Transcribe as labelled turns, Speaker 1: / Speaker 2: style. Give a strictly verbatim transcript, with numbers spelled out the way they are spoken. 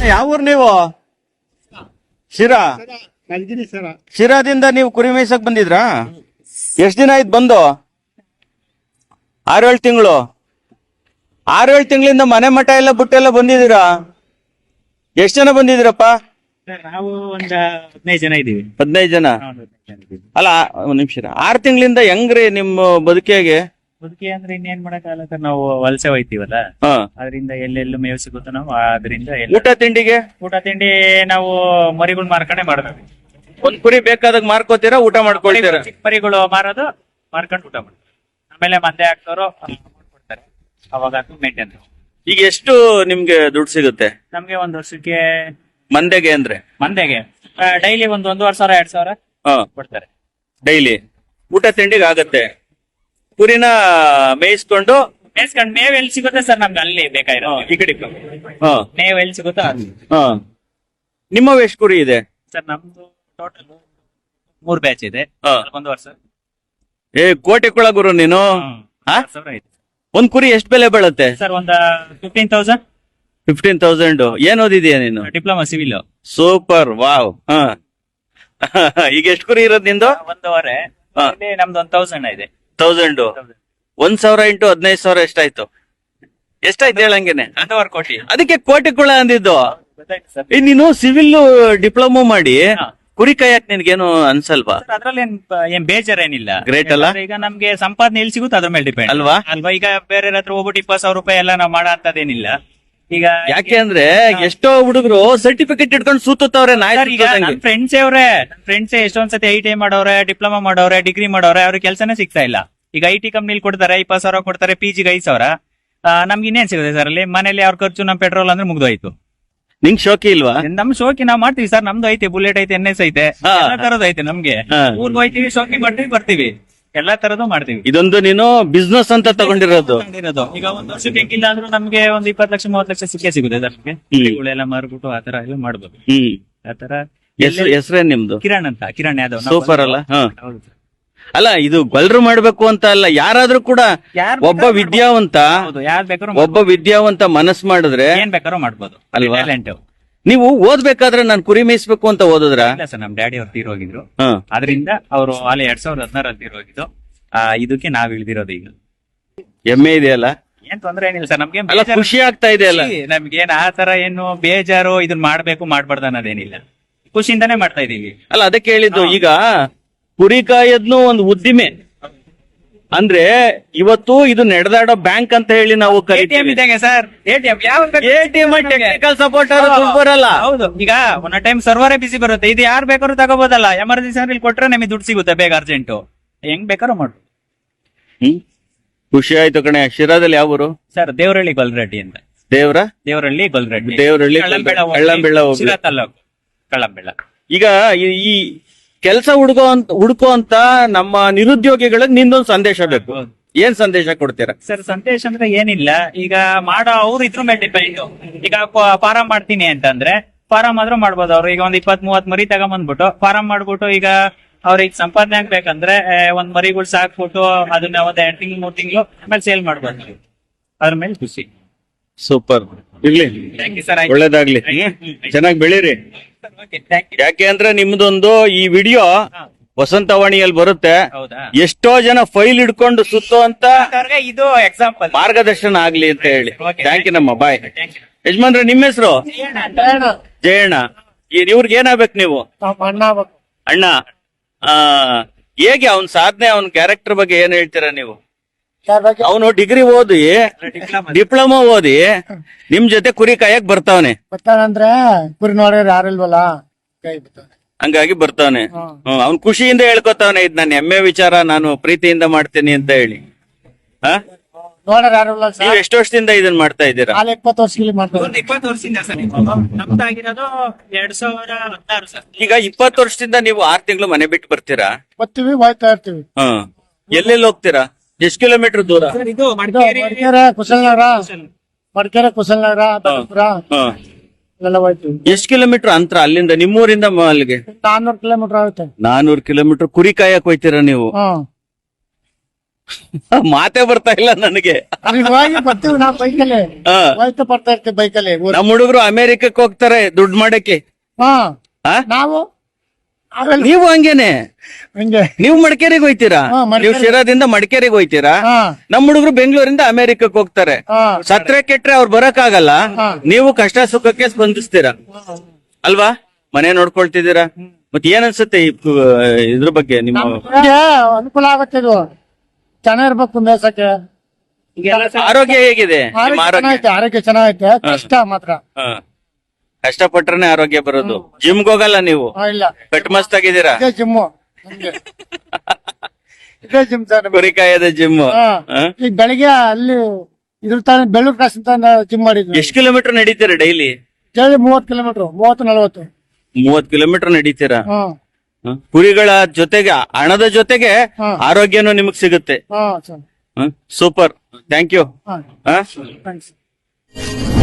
Speaker 1: ಯಾವ ಊರ್ ನೀವು? ಶಿರಾ. ಶಿರಾದಿಂದ ನೀವು ಕುರಿ ಮೇಯ್ಸಕ್ ಬಂದಿದ್ರಾ? ಎಷ್ಟ್ ದಿನ ಆಯ್ತು ಬಂದು? ಆರೇಳು ತಿಂಗಳು. ಆರೇಳು ತಿಂಗಳಿಂದ ಮನೆ ಮಠ ಎಲ್ಲ ಬಿಟ್ಟೆಲ್ಲ ಬಂದಿದ್ದೀರಾ? ಎಷ್ಟ್ ಜನ ಬಂದಿದ್ದೀರಪ್ಪ?
Speaker 2: ನಾವು ಒಂದ್ ಹದಿನೈದು ಜನ ಇದೀವಿ.
Speaker 1: ಹದಿನೈದು ಜನ. ಅಲ್ಲ ಒಂದ್ ನಿಮಿಷ, ಆರ್ ತಿಂಗಳಿಂದ ಹೆಂಗ್ರಿ ನಿಮ್ಮ ಬದುಕಿಗೆ?
Speaker 2: ಬದುಕಿ ಅಂದ್ರೆ ಇನ್ನೇನ್ ಮಾಡಕ್ಕಾಗಲ್ಲ ಸರ್, ನಾವು ವಲಸೆ ಹೋಯ್ತೀವಲ್ಲ,
Speaker 1: ಹಾ,
Speaker 2: ಅದರಿಂದ ಎಲ್ಲೆಲ್ಲೂ ಮೇವು ಸಿಗುತ್ತೋ ನಾವು ಅದರಿಂದ
Speaker 1: ಊಟ ತಿಂಡಿಗೆ?
Speaker 2: ಊಟ ತಿಂಡಿ ನಾವು ಮರಿಗಳು ಮಾರ್ಕೊಂಡೆ ಮಾಡ್ತೀವಿ.
Speaker 1: ಒಂದ್ ಕುರಿ ಬೇಕಾದಾಗ ಮಾರ್ಕೋತೀರಾ, ಊಟ ಮಾಡ್ಕೊಳ್ತೀರಾ?
Speaker 2: ಚಿಕ್ಕ ಮರಿಗಳು ಮಾರೋದು, ಮಾರ್ಕೊಂಡು ಊಟ ಮಾಡ್ತೀವಿ. ಆಮೇಲೆ ಮಂದೆ ಹಾಕ್ತವ್ರು ಕೊಡ್ತಾರೆ, ಅವಾಗ ಮೇಂಟೈನ್.
Speaker 1: ಈಗ ಎಷ್ಟು ನಿಮ್ಗೆ ದುಡ್ಡು ಸಿಗುತ್ತೆ
Speaker 2: ನಮ್ಗೆ ಒಂದ್ ವರ್ಷಕ್ಕೆ
Speaker 1: ಮಂದೆಗೆ ಅಂದ್ರೆ?
Speaker 2: ಮಂದೆಗೆ ಡೈಲಿ ಒಂದ್ ಒಂದೂವರೆ ಸಾವಿರ ಎರಡ್ ಸಾವಿರ
Speaker 1: ಹಾ
Speaker 2: ಕೊಡ್ತಾರೆ
Speaker 1: ಡೈಲಿ. ಊಟ ತಿಂಡಿಗೆ ಆಗತ್ತೆ. ಕುರಿನ ಮೇಯಿಸ್ಕೊಂಡು
Speaker 2: ಮೇಯ್ಸ್ಕೊಂಡ್ ಮೇವ್ ಎಲ್ಲಿ ಸಿಗುತ್ತೆ ಸರ್ ನಮ್ಗೆ ಅಲ್ಲಿ ಬೇಕಾಗಿರೋ ಈ ಕಡೆ
Speaker 1: ಹಾ
Speaker 2: ಮೇವ್ ಎಲ್ಲಿ ಸಿಗುತ್ತೋ ಅಲ್ಲಿ.
Speaker 1: ಹಾ. ನಿಮ್ಮ ಎಷ್ಟು ಕುರಿ ಇದೆ
Speaker 2: ಸರ್? ನಮ್ದು ಟೋಟಲ್ ಮೂರ್ ಬ್ಯಾಚ್ ಇದೆ.
Speaker 1: ಹಾ.
Speaker 2: ಒಂದು ವರ್ಷ
Speaker 1: ಏ ಕೋಟೆ ಕುಳ ಗುರು ನೀನು. ಹಾ?
Speaker 2: ಸಾವಿರ ಐತೆ
Speaker 1: ಒಂದ್ ಕುರಿ ಎಷ್ಟು ಬೆಲೆ ಬೀಳುತ್ತೆ
Speaker 2: ಸರ್. ಒಂದ್ ಫಿಫ್ಟೀನ್ ತೌಸಂಡ್.
Speaker 1: Fifteen thousand. ಏನ್ ಓದಿದೀಯ ನೀನು?
Speaker 2: Diploma civil.
Speaker 1: Super, wow. ಹಾ. ಈಗ ಎಷ್ಟು ಕುರಿ ಇರೋದ್ ನಿಂದು?
Speaker 2: ಒಂದೂವರೆ.
Speaker 1: ಹಾ.
Speaker 2: ಇಲ್ಲಿ ನಮ್ದು ಒಂದ್ ತೌಸಂಡ್ ಇದೆ.
Speaker 1: ತೌಸಂಡ್. ಒಂದ್ ಸಾವಿರ ಇಂಟು ಹದಿನೈದು ಸಾವಿರ ಎಷ್ಟಾಯ್ತು? ಎಷ್ಟಾಯ್ತು ಹೇಳಂಗೇನೆ?
Speaker 2: ಒಂದೂವರೆ ಕೋಟಿ.
Speaker 1: ಅದಕ್ಕೆ ಕೋಟೆ ಕುಳ ಅಂದಿದ್ದು.
Speaker 2: ಗೊತ್ತಾಯ್ತು ಸರ್.
Speaker 1: ಏ, ನೀನು ಸಿವಿಲ್ ಡಿಪ್ಲೊಮಾ ಮಾಡಿ
Speaker 2: ಹಾ.
Speaker 1: ಕುರಿ ಕಾಯಕ್ ನಿನ್ಗೇನು ಅನ್ಸಲ್ವಾ?
Speaker 2: ಅದ್ರಲ್ಲಿ ಏನ್ ಏನ್ ಬೇಜಾರೇನಿಲ್ಲ.
Speaker 1: Great ಅಲ್ಲ?
Speaker 2: ಈಗ ನಮ್ಗೆ ಸಂಪಾದನೆ ಎಲ್ಲಿ ಸಿಗುತ್ತೆ ಅದ್ರ ಮೇಲೆ ಡಿಪೆಂಡ್
Speaker 1: ಅಲ್ವಾ?
Speaker 2: ಅಲ್ವಾ? ಈಗ ಬೇರೆ ಹತ್ರ ಹೋಗ್ಬಿಟ್ಟು ಇಪ್ಪತ್ತು ಸಾವಿರ ರೂಪಾಯಿ ಎಲ್ಲ ನಾವು ಮಾಡೋ ಅಂತದೇನಿಲ್ಲ. ಈಗ
Speaker 1: ಯಾಕೆ ಅಂದ್ರೆ ಎಷ್ಟೋ ಹುಡುಗರು ಸರ್ಟಿಫಿಕೇಟ್ ಇಟ್ಕೊಂಡು ಸೂತವ್ರೆ.
Speaker 2: ಸರ್, ಈಗ ನನ್ ಫ್ರೆಂಡ್ಸ್ ಅವ್ರೆ ನನ್ ಫ್ರೆಂಡ್ಸ್ ಎಷ್ಟೊಂದ್ ಸತಿ ಐ ಟಿ ಐ ಮಾಡೋರೆ, ಡಿಪ್ಲೊಮಾ ಮಾಡೋರೆ, ಡಿಗ್ರಿ ಮಾಡೋರೆ, ಅವ್ರಿಗೆ ಕೆಲಸನೇ ಸಿಗ್ತಾ ಇಲ್ಲ. ಈಗ ಐ ಟಿ ಕಂಪ್ನಿಲಿ ಕೊಡ್ತಾರೆ, ಇಪ್ಪತ್ತು ಸಾವಿರ ಕೊಡ್ತಾರೆ, ಪಿ ಜಿಗೆ ಐದು ಸಾವಿರ. ನಮ್ಗೆ ಇನ್ನೇನ್ ಸಿಗುತ್ತೆ ಸರ್ ಅಲ್ಲಿ? ಮನೇಲಿ ಅವ್ರ ಖರ್ಚು, ನಮ್ ಪೆಟ್ರೋಲ್ ಅಂದ್ರೆ ಮುಗ್ದೋಯ್ತು.
Speaker 1: ನಿಂಗ್ ಶೋಕಿ ಇಲ್ವಾ?
Speaker 2: ನಮ್ ಶೋಕಿ ನಾವ್ ಮಾಡ್ತೀವಿ ಸರ್. ನಮ್ದು ಐತೆ, ಬುಲೆಟ್ ಐತೆ, ಎನ್ ಎಸ್ ಐತೆ,
Speaker 1: ಹಾ.
Speaker 2: ಎಲ್ಲಾ ತರದ್ ಐತೆ ನಮ್ಗೆ.
Speaker 1: ಹಾ.
Speaker 2: ಊರ್ಗ್ ಹೋಯ್ತೀವಿ, ಶೋಕಿ ಮಾಡ್ತೀವಿ, ಬರ್ತೀವಿ, ಎಲ್ಲಾ ತರದ್ದು ಮಾಡ್ತೀವಿ.
Speaker 1: ಇದೊಂದು ನೀನು ಬಿಸ್ನೆಸ್ ಅಂತ ತಗೊಂಡಿರೋದು.
Speaker 2: ತಗೊಂಡಿರೋದು. ಈಗ ಒಂದ್ ವರ್ಷಕ್ಕೆ ಹೆಂಗಿಲ್ಲ ಅಂದ್ರೂ ನಮ್ಗೆ ಒಂದ್ ಇಪ್ಪತ್ತು ಲಕ್ಷ ಮೂವತ್ತು ಲಕ್ಷ ಸಿಕ್ಕೇ ಸಿಗುತ್ತೆ ಸರ್ ನಮ್ಗೆ. ಕುರಿಗಳೆಲ್ಲ ಮಾರ್ಬಿಟ್ಟು ಆತರ ಎಲ್ಲ ಮಾಡ್ಬೋದು.
Speaker 1: ಹ್ಮ್.
Speaker 2: ಆತರ.
Speaker 1: ಹೆಸರು ಹೆಸರೇನ್ ನಿಮ್ದು?
Speaker 2: ಕಿರಣ್ ಅಂತ. ಕಿರಣ್ ಯಾದವ್.
Speaker 1: ಸೂಪರ್ ಅಲ್ಲ? ಹಾ.
Speaker 2: ಹೌದು ಸರ್.
Speaker 1: ಅಲ್ಲ, ಇದು ಗೊಲ್ರು ಮಾಡ್ಬೇಕು ಅಂತ ಅಲ್ಲ, ಯಾರಾದ್ರೂ ಕೂಡ
Speaker 2: ಯಾರ್
Speaker 1: ಒಬ್ಬ
Speaker 2: ಬೇಕಾದ್ರೂ
Speaker 1: ವಿದ್ಯಾವಂತ
Speaker 2: ಹೌದು, ಯಾರ್ ಬೇಕಾದ್ರೂ
Speaker 1: ಒಬ್ಬ ವಿದ್ಯಾವಂತ ಮನಸ್ ಮಾಡಿದ್ರೆ
Speaker 2: ಏನ್ ಬೇಕಾದ್ರೂ ಮಾಡ್ಬೋದು
Speaker 1: ಅಲ್ವಾ?
Speaker 2: ಟ್ಯಾಲೆಂಟ್.
Speaker 1: ನೀವು ಓದ್ಬೇಕಾದ್ರೆ ನಾನು ಕುರಿ ಮೇಯಿಸ್ಬೇಕು ಅಂತ ಓದಿದ್ರ?
Speaker 2: ಇಲ್ಲ ಸರ್, ನಮ್ ಡ್ಯಾಡಿ ಅವ್ರು ತೀರೋಗಿದ್ರು.
Speaker 1: ಹಾ.
Speaker 2: ಅದರಿಂದ ಅವರು ಅಲ್ಲಿ ಎರಡ್ ಸಾವಿರದ ಹದಿನಾರಲ್ಲಿ ತೀರೋಗಿದ್ದು. ಆ ಇದಕ್ಕೆ ನಾವ್ ಇಳ್ದಿರೋದು ಈಗ.
Speaker 1: ಹೆಮ್ಮೆ ಇದೆಯಲ್ಲ?
Speaker 2: ಏನ್ ತೊಂದ್ರೆ ಏನಿಲ್ಲ ಸರ್ ನಮ್ಗೆ.
Speaker 1: ಅಲ್ಲ, ಖುಷಿ ಆಗ್ತಾ ಇದೆ ಅಲ್ಲ?
Speaker 2: ನಮ್ಗೇನ್ ಆ ತರ ಏನು ಬೇಜಾರು ಇದನ್ನ ಮಾಡ್ಬೇಕು ಮಾಡ್ಬಾರ್ದು ಅನ್ನೋದೇನಿಲ್ಲ. ಖುಷಿಯಿಂದಾನೇ ಮಾಡ್ತಾ ಇದೀವಿ.
Speaker 1: ಅಲ್ಲ, ಅದಕ್ಕೆ ಹೇಳಿದ್ದು. ಈಗ ಕುರಿ ಕಾಯದ್ನು ಒಂದು ಉದ್ದಿಮೆ ಅಂದ್ರೆ ಇವತ್ತು ಇದು ನಡೆದಾಡೋ ಬ್ಯಾಂಕ್ ಅಂತ ಹೇಳಿ ನಾವು
Speaker 2: ಎಟಿಎಂ ಇದ್ದಂಗೆ ಸರ್. ಎಟಿಎಂ ಯಾವ
Speaker 1: ಎಟಿಎಂ ಟೆಕ್ನಿಕಲ್ ಸಪೋರ್ಟ್ ಬರಲ್ಲ.
Speaker 2: ಹೌದು. ಈಗ ಒಂದ್ ಟೈಮ್ ಸರ್ವರೇ ಬಿಸಿ ಬರುತ್ತೆ. ಇದು ಯಾರು ಬೇಕಾದ್ರೂ ತಗೋಬೋದಲ್ಲ. ಎಮರ್ಜೆನ್ಸಿ ಅಂದ್ರೆ ಇಲ್ಲಿ ಕೊಟ್ರೆ ನಮಗೆ ದುಡ್ಡು ಸಿಗುತ್ತೆ ಬೇಗ, ಅರ್ಜೆಂಟ್. ಹೆಂಗ್ ಬೇಕಾದ್ರೂ ಮಾಡ್ಬೋದು.
Speaker 1: ಹ್ಮ್. ಖುಷಿ ಆಯ್ತು ಕಣೆ. ಶಿರಾದಲ್ಲಿ ಯಾವ ಊರು?
Speaker 2: ಸರ್, ದೇವರಹಳ್ಳಿ ಗೊಲ್ರೆಡ್ಡಿ ಅಂತ.
Speaker 1: ದೇವ್ರ
Speaker 2: ದೇವರಹಳ್ಳಿ ಗೊಲ್ರೆಡ್ಡಿ.
Speaker 1: ದೇವರಹಳ್ಳಿ
Speaker 2: ಕಳ್ಳಂಬೆಳ ಹೋಗ್ಲಿ.
Speaker 1: ಕಳ್ಳಂಬೆಳ ಹೋಗ್ಲಿ.
Speaker 2: ಶಿರಾ ತಾಲೂಕು ಕಳ್ಳಂಬೆಳ.
Speaker 1: ಈಗ ಈ- ಈ ಕೆಲಸ ಹುಡುಗೋ ಅಂತ ಹುಡುಕೋ ಅಂತ ನಮ್ಮ ನಿರುದ್ಯೋಗಿಗಳಿಗೆ ನಿಂದೊಂದು ಸಂದೇಶ ಬೇಕು.
Speaker 2: ಹೌದು.
Speaker 1: ಏನ್ ಸಂದೇಶ ಕೊಡ್ತೀರಾ?
Speaker 2: ಸರ್, ಸಂದೇಶ ಅಂದ್ರೆ ಏನಿಲ್ಲ. ಈಗ ಮಾಡೋ ಅವ್ರು ಇದ್ರ ಮೇಲೆ ಡಿಪೆಂಡ್. ಈಗ ಫಾರಂ ಮಾಡ್ತೀನಿ ಅಂತಂದ್ರೆ ಫಾರಂ ಆದ್ರೂ ಮಾಡ್ಬೋದು. ಅವ್ರು ಈಗ ಒಂದ್ ಇಪ್ಪತ್ ಮೂವತ್ ಮರಿ ತಗೊಂಬಂದ್ಬಿಟ್ಟು ಫಾರಂ ಮಾಡ್ಬಿಟ್ಟು ಈಗ ಅವ್ರಿಗೆ ಸಂಪಾದನೆ ಆಗ್ಬೇಕಂದ್ರೆ ಒಂದ್ ಮರಿಗಳು ಸಾಕ್ಬಿಟ್ಟು ಅದನ್ನ ಒಂದ್ ಎರಡ್ ತಿಂಗಳು ಮೂರ್ ತಿಂಗಳು ಆಮೇಲೆ ಸೇಲ್ ಮಾಡ್ಬೋದು. ಅದ್ರ ಮೇಲೆ ಖುಷಿ.
Speaker 1: ಸೂಪರ್. ಇರ್ಲಿ,
Speaker 2: ಥ್ಯಾಂಕ್ ಯು ಸರ್.
Speaker 1: ಒಳ್ಳೇದಾಗ್ಲಿ. ಚೆನ್ನಾಗಿ ಬೆಳೀರಿ. ಯಾಕೆ ಅಂದ್ರೆ ನಿಮ್ದೊಂದು ಈ ವಿಡಿಯೋ ವಸಂತವಾಣಿಯಲ್ಲಿ ಬರುತ್ತೆ.
Speaker 2: ಹೌದಾ?
Speaker 1: ಎಷ್ಟೋ ಜನ ಫೈಲ್ ಹಿಡ್ಕೊಂಡು ಸುತ್ತೋ ಅಂತ
Speaker 2: ಅವ್ರಿಗೆ ಇದು ಎಕ್ಸಾಂಪಲ್,
Speaker 1: ಮಾರ್ಗದರ್ಶನ ಆಗ್ಲಿ ಅಂತ ಹೇಳಿ.
Speaker 2: Okay.
Speaker 1: ಥ್ಯಾಂಕ್ ಯು ನಮ್ಮ ಬಾಯ್.
Speaker 2: Thank you.
Speaker 1: ಯಜಮಾನ್ರೆ, ನಿಮ್ಮ ಹೆಸರು? ಜಯಣ್ಣ. ಇವ್ರಿಗೆ ಏನಾಗ್ಬೇಕು ನೀವು? ಅಣ್ಣ. ಆ ಹೇಗೆ ಅವನ್ ಸಾಧನೆ, ಅವನ್ ಕ್ಯಾರೆಕ್ಟರ್ ಬಗ್ಗೆ ಏನ್ ಹೇಳ್ತೀರಾ ನೀವು? ಅವನು ಡಿಗ್ರಿ ಓದಿ, ಡಿಪ್ಲೊಮಾ ಓದಿ ನಿಮ್ ಜೊತೆ ಕುರಿ ಕಾಯಕ್ ಬರ್ತಾವನೆ.
Speaker 3: ಬರ್ತಾನಂದ್ರೆ ಕುರಿ ನೋಡಿದ್ರೆ ಯಾರಿಲ್ವಲ್ಲ, ಕೈ ಬಿಡ್ತಾನೆ.
Speaker 1: ಹಂಗಾಗಿ ಬರ್ತಾವನೆ. ಹ್ಮ್. ಅವ್ನ್ ಖುಷಿಯಿಂದ ಹೇಳ್ಕೊತಾವನೆ, ಇದ್ ನನ್ನ ಹೆಮ್ಮೆ ವಿಚಾರ, ನಾನು ಪ್ರೀತಿಯಿಂದ ಮಾಡ್ತೀನಿ ಅಂತ ಹೇಳಿ. ಹಾ,
Speaker 3: ನೋಡ್ರೆ ಯಾರಿಲ್ಲ ಸರ್.
Speaker 1: ನೀವ್ ಎಷ್ಟು ವರ್ಷದಿಂದ ಇದನ್ ಮಾಡ್ತಾ ಇದ್ದೀರಾ?
Speaker 3: ನಾಳೆ ಇಪ್ಪತ್ತು ವರ್ಷದಲ್ಲಿ ಮಾಡ್ತಾರೆ.
Speaker 2: ಒಂದು ಇಪ್ಪತ್ತು ವರ್ಷದಿಂದ ಸರ್. ನಮ್ದಾಗಿರೋದು ಎರಡ್ ಸಾವಿರ ಹದಿನಾರು ಸರ್.
Speaker 1: ಈಗ ಇಪ್ಪತ್ತು ವರ್ಷದಿಂದ ನೀವು ಆರ್ ತಿಂಗಳು ಮನೆ ಬಿಟ್ಟು ಬರ್ತೀರಾ?
Speaker 3: ಬರ್ತೀವಿ, ಹೋಯ್ತಾ ಇರ್ತೀವಿ.
Speaker 1: ಹ್ಮ್. ಎಲ್ಲೆಲ್ಲಿ ಹೋಗ್ತೀರಾ? ಎಷ್ಟು ಕಿಲೋಮೀಟರ್ ದೂರ?
Speaker 2: ಸರ್, ಇದು
Speaker 3: ಇದು
Speaker 2: ಮಡಿಕೇರಿ,
Speaker 3: ಮಡಿಕೇರೆ, ಕುಶಲನಗರ, ಮಡಿಕೇರೆ, ಕುಶಲನಗರ, ಬೆಂಗಳೂರ
Speaker 1: ಹ್ಮ್.
Speaker 3: ಎಲ್ಲ ಹೋಯ್ತೀವಿ.
Speaker 1: ಎಷ್ಟು ಕಿಲೋಮೀಟರ್ ಅಂತರ ಅಲ್ಲಿಂದ ನಿಮ್ಮೂರಿಂದ ಅಲ್ಲಿಗೆ?
Speaker 3: ನಾನ್ನೂರು ಕಿಲೋಮೀಟರ್ ಆಗುತ್ತೆ.
Speaker 1: ನಾನೂರು ಕಿಲೋಮೀಟರ್ ಕುರಿ ಕಾಯಕ್ ಹೋಯ್ತೀರಾ ನೀವು?
Speaker 3: ಹ್ಮ್.
Speaker 1: ಮಾತೇ ಬರ್ತಾ ಇಲ್ಲ ನನಗೆ.
Speaker 3: ಅಲ್ಲಿ ಹೋಗಿ ಬರ್ತೀವಿ ನಾವು ಬೈಕಲ್ಲಿ
Speaker 1: ಹಾ.
Speaker 3: ಹೋಯ್ತು ಬರ್ತಾ ಇರ್ತೀವಿ ಬೈಕಲ್ಲಿ ಊರ್-
Speaker 1: ನಮ್ಮ ಹುಡುಗರು ಅಮೆರಿಕಕ್ಕೆ ಹೋಗ್ತಾರೆ ದುಡ್ಡು ಮಾಡಕ್ಕೆ.
Speaker 3: ಹಾ
Speaker 1: ಆ?
Speaker 3: ನಾವು ಅವೆಲ್ಲ
Speaker 1: ನೀವು ಹಂಗೇನೆ,
Speaker 3: ಹಂಗೆ
Speaker 1: ನೀವು ಮಡಿಕೇರಿಗೆ ಹೋಯ್ತೀರಾ,
Speaker 3: ಹಾ, ಮಡಿಕೇರಿ.
Speaker 1: ನೀವು ಶಿರಾದಿಂದ ಮಡಿಕೇರಿಗೆ ಹೋಯ್ತೀರಾ.
Speaker 3: ಹಾ
Speaker 1: ನಮ್ಮ ಹುಡುಗರು ಬೆಂಗಳೂರಿಂದ ಅಮೆರಿಕಕ್ಕೆ ಹೋಗ್ತಾರೆ.
Speaker 3: ಹಾ
Speaker 1: ಸತ್ರೆ ಕೆಟ್ರೆ ಅವ್ರು ಬರಕ್ ಆಗಲ್ಲ,
Speaker 3: ಹಾ.
Speaker 1: ನೀವು ಕಷ್ಟ ಸುಖಕ್ಕೆ ಸ್ಪಂದಿಸ್ತೀರಾ ಅಲ್ವಾ? ಮನೆ ನೋಡ್ಕೊಳ್ತಿದ್ದೀರಾ. ಮತ್ತೆ ಏನ್ ಅನ್ಸುತ್ತೆ ಈ ಕು- ಇದ್ರ ಬಗ್ಗೆ ನಿಮ್ಮ
Speaker 3: ನಮ್ಗೆ ಅನುಕೂಲ ಆಗುತ್ತೆ ಇದು, ಚೆನ್ನಾಗಿರ್ಬೇಕು ಮೇಸಕ್ಕೆ.
Speaker 1: ಆರೋಗ್ಯ ಹೇಗಿದೆ? ನಿಮ್ಮ
Speaker 3: ಆರೋಗ್ಯ
Speaker 1: ಆರೋಗ್ಯ
Speaker 3: ಚೆನ್ನಾಗೈತೆ, ಆರೋಗ್ಯ ಚೆನ್ನಾಗೈತೆ, ಕಷ್ಟ ಮಾತ್ರ
Speaker 1: ಹಾ. ಕಷ್ಟಪಟ್ರೆ ಆರೋಗ್ಯ ಬರೋದು. ಜಿಮ್ಗೆ ಹೋಗಲ್ಲ ನೀವು,
Speaker 3: ಹಾ, ಇಲ್ಲ
Speaker 1: ಕಟ್ ಮಸ್ತ್ ಆಗಿದ್ದೀರಾ.
Speaker 3: ಇದೇ ಜಿಮ್ಮು ನಮ್ಗೆ. ಇದೇ ಜಿಮ್ ಸರ್.
Speaker 1: ಕುರಿ ಕಾಯದ ಜಿಮ್.
Speaker 3: ಹಾ. ಈಗ ಬೆಳಿಗ್ಗೆ ಅಲ್ಲಿ ಇದ್ರ ತಾನೆ ಬೆಳ್ಳೂರು ಕ್ರಾಸ್ ಅಂತ ಜಿಮ್ ಮಾಡಿದ್ವಿ.
Speaker 1: ಎಷ್ಟು ಕಿಲೋಮೀಟರ್ ನಡೀತೀರಾ ಡೈಲಿ?
Speaker 3: ಡೈಲಿ ಮೂವತ್ತು ಕಿಲೋಮೀಟರ್, ಮೂವತ್ತು ನಲವತ್ತು.
Speaker 1: ಮೂವತ್ ಕಿಲೋಮೀಟರ್ ನಡೀತೀರಾ.
Speaker 3: ಹಾ
Speaker 1: ಹ? ಕುರಿಗಳ ಜೊತೆಗೆ ಹಣದ ಜೊತೆಗೆ
Speaker 3: ಹಾ.
Speaker 1: ಆರೋಗ್ಯನೂ ನಿಮಗ್ ಸಿಗುತ್ತೆ.
Speaker 3: ಹಾ ಸರ್.
Speaker 1: Super, thank you.
Speaker 3: ಹಾ
Speaker 1: ಹಾ
Speaker 3: ಥ್ಯಾಂಕ್ಸ್.